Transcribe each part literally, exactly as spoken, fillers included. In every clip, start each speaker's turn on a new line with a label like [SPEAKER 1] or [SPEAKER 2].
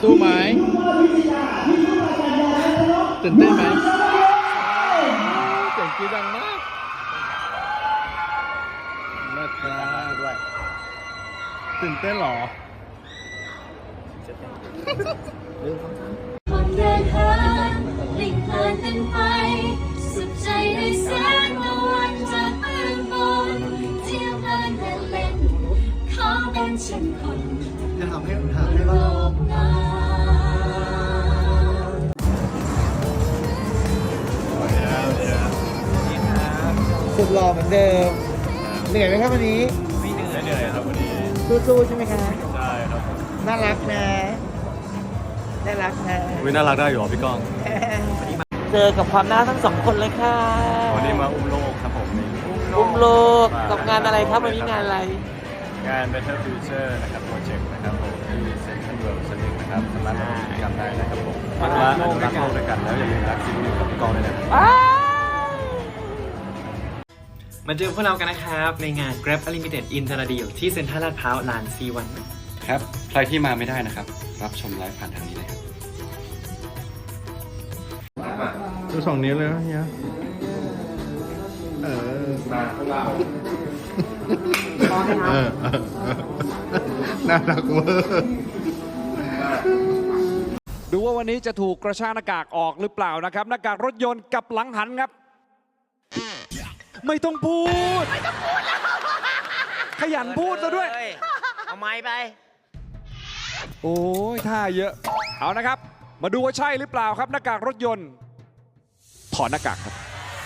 [SPEAKER 1] สู้ไหมตื่นเต้นไหมเสียงกรี๊ดดังมากเลิศมากด้วยตื่นเต้นหรอ
[SPEAKER 2] คนเดินหาลิงเพลินกันไปสุขใจได้แสงตะวันจากเบื้องบนเที่ยวเพลินเดินเล่นขอเป็นเช่นคน
[SPEAKER 3] จะทำให้ทำให้บ้างสุดหล่อเหมือนเดิมเหนื่อยไหมครับวันนี้
[SPEAKER 4] ไม่เหนื่อยเหนื่อยครับวันนี้
[SPEAKER 3] สู้ๆใช่ไหมคะ
[SPEAKER 4] ใช่ครับ
[SPEAKER 3] น่ารักนะน่ารักนะ
[SPEAKER 4] วิน่ารักได้อยู่หรอพี่ก้อง
[SPEAKER 3] เจอกับความน่าทั้งสองคนเลยค่ะ
[SPEAKER 4] วันนี้มาอุ้มโลกครับผม
[SPEAKER 3] อุ้มโลกกับงานอะไรครับวันนี้งานอะไร
[SPEAKER 4] งาน Better Future นะครับโปรเจกต์นะครับผมที่เซ็นทรัลเวิลด์สนิทนะครับสามารถมากิจกรรมได้นะครับผมมาอนุรักษ์โลกด้วยกันแล้วอย่าลืมรักสิ่งนี้กับพี่ก้องด้วยนะ
[SPEAKER 5] มาเจอพวกเรากันนะครับในงาน Grab Unlimited in ตลาดเดี่ยวที่เซ็นทรัลลาดพร้าวลาน ซี วัน
[SPEAKER 4] ครับใครที่มาไม่ได้นะครับรับชมไลฟ์ผ่านทางนี้เลยครับ
[SPEAKER 1] ดูสองนิ้วเลยนะเฮียเออมาเออน่ารักเวอร์
[SPEAKER 6] ดูว่าวันนี้จะถูกกระชากหน้ากากออกหรือเปล่านะครับหน้ากากรถยนต์กับหลังหันครับไม่ต้องพูดไม่ต้องพูดแล้วขยันพูดซะด้วย
[SPEAKER 3] เอาไม้ไป
[SPEAKER 6] โอ้ยท่าเยอะเอานะครับมาดูว่าใช่หรือเปล่าครับหน้ากากรถยนต์ถอดหน้ากากครับ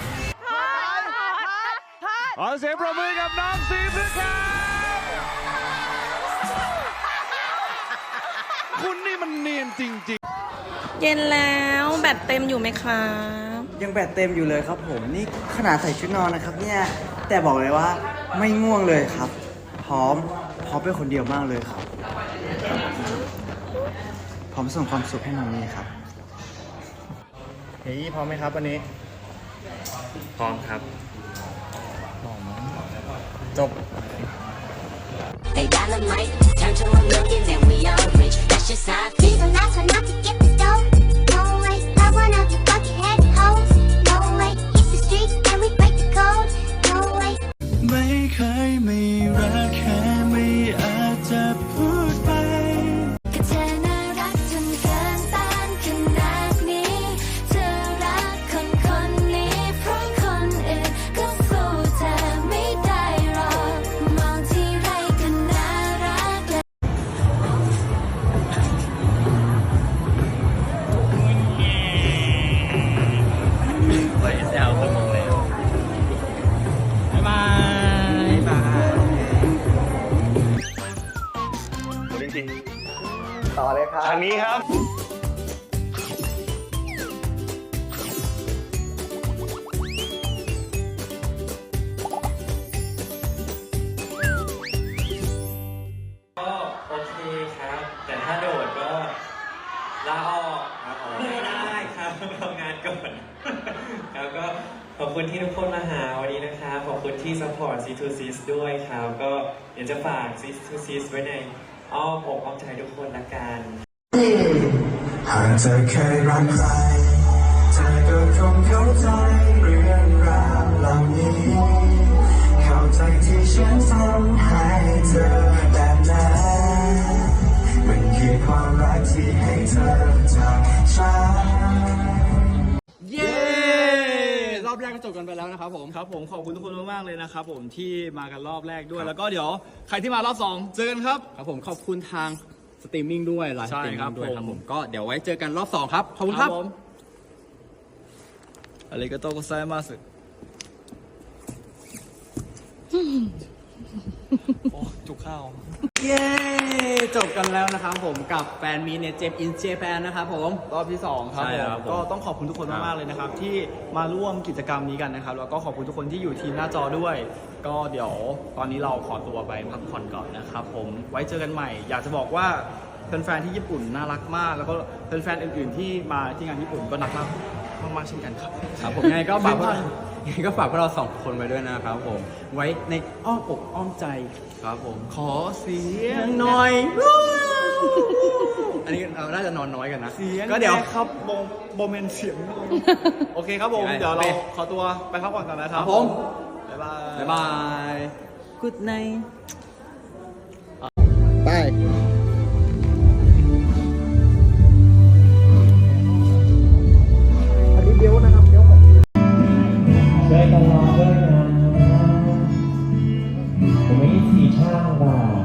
[SPEAKER 6] ขอเสียงปรบมือกับน้องซีฟด้วยครับคุณนี่มันเนียนจริงๆ
[SPEAKER 7] เย็นแล้วแบตเต็มอยู่ไหมครับ
[SPEAKER 3] ยังแบตเต็มอยู่เลยครับผมนี่ขนาดใส่ชุดนอนนะครับเนี่ยแต่บอกเลยว่าไม่ง่วงเลยครับพร้อมพร้อมเป็นคนเดียวมากเลยครับพร้อมส่งความสุขให้น้องนี่ครับเฮ้ยพร้อมไหมครับวันนี้
[SPEAKER 5] พร้อมครับ
[SPEAKER 3] จบ
[SPEAKER 2] They dynamite, turn to a million, then we all rich. That's just how I feel. These are not trying not to get the dough. No way, not one of you buckethead hoes. No way, hit the streets and we break the code. No way.
[SPEAKER 8] ไม่เคยไม่รักแค่ไม่อาจจะพูดไป
[SPEAKER 2] ก็เธอน่ารักจนเกินต้านขนาดนี้เธอรักคนคนนี้เพราะคนอื่นก็สู้เธอไม่ได้หรอกมองที่ไรก็น่ารักและ
[SPEAKER 5] ไปแซวสมองแล้วบ๊ายบายบาย
[SPEAKER 4] จริง
[SPEAKER 3] ต่อเลยครับ
[SPEAKER 4] ทางนี้ครับ
[SPEAKER 5] ก็โอเคครับแต่ถ้าโดดก็ลาออกไม่ได้ครับทำงานก่อนแล้วก็ขอบคุณที่ทุกคนมาหาวันนี้นะครับขอบคุณที่ซัพพอร์ต ซี ทู ซี ด้วยครับก็อยากจะฝาก ซี ทู ซี ไว้ในอ้อมอกอ้อมใจทุกคนละกัน
[SPEAKER 8] หากเธอเคยรักใครเธอก็คงเข้าใจเรื่องราวเหล่านี้เข้าใจที่ฉันทำให้เธอแบบนั้นมันคือความรักที่ให้เธอจากฉัน
[SPEAKER 6] เย้รอบแรกก็จบกันไปแล้วนะครับผมครับผมขอบคุณทุกคนมากๆเลยนะครับผมที่มากันรอบแรกด้วยแล้วก็เดี๋ยวใครที่มารอบสองเจอกันครับครับผมขอบคุณทางสตรีมมิ่งด้วยไลฟ์สตรีมมิ่งด้วยครับผมก็เดี๋ยวไว้เจอกันรอบสองครับขอบคุณครับอาริกาโตโกไซมัสโอ้จุกข้าวเย้จบกันแล้วนะครับผมกับแฟนมีเนี่ยเจมอินเจแปนนะครับผมรอบที่สองครับผมก็ต้องขอบคุณทุกคนมากๆเลยนะครับที่มาร่วมกิจกรรมนี้กันนะครับแล้วก็ขอบคุณทุกคนที่อยู่ทีมหน้าจอด้วยก็เดี๋ยวตอนนี้เราขอตัวไปพักผ่อนก่อนนะครับผมไว้เจอกันใหม่อยากจะบอกว่าแฟนๆที่ญี่ปุ่นน่ารักมากแล้วก็แฟนๆอื่นๆที่มาที่งานญี่ปุ่นก็น่ารักมากๆเช่นกันครับครับผมยังไงก็ฝากยังไงก็ฝากพวกเราสองคนไว้ด้วยนะครับผมไว้ในอ้อมอกอ้อมใจครับผมขอเสียงหน่อยอันนี้เราน่าจะนอนน้อยกันนะ
[SPEAKER 3] เสียง
[SPEAKER 6] ก็เดี๋ยว
[SPEAKER 3] แม่ครับโมโมเมนต์เสียง
[SPEAKER 6] โอเคครับผม
[SPEAKER 3] โอเค
[SPEAKER 6] เดี๋ยวเราขอตัวไปพักผ่อนก่อนนะครับ
[SPEAKER 3] ครับผม
[SPEAKER 6] บ๊ายบาย
[SPEAKER 3] บ๊ายบาย Good night ไป อันนี้เดี๋ยวนะครับเดี๋ยวผม
[SPEAKER 5] ช่วยกันรอด้วยนะผมไม่มีทีท่าว่า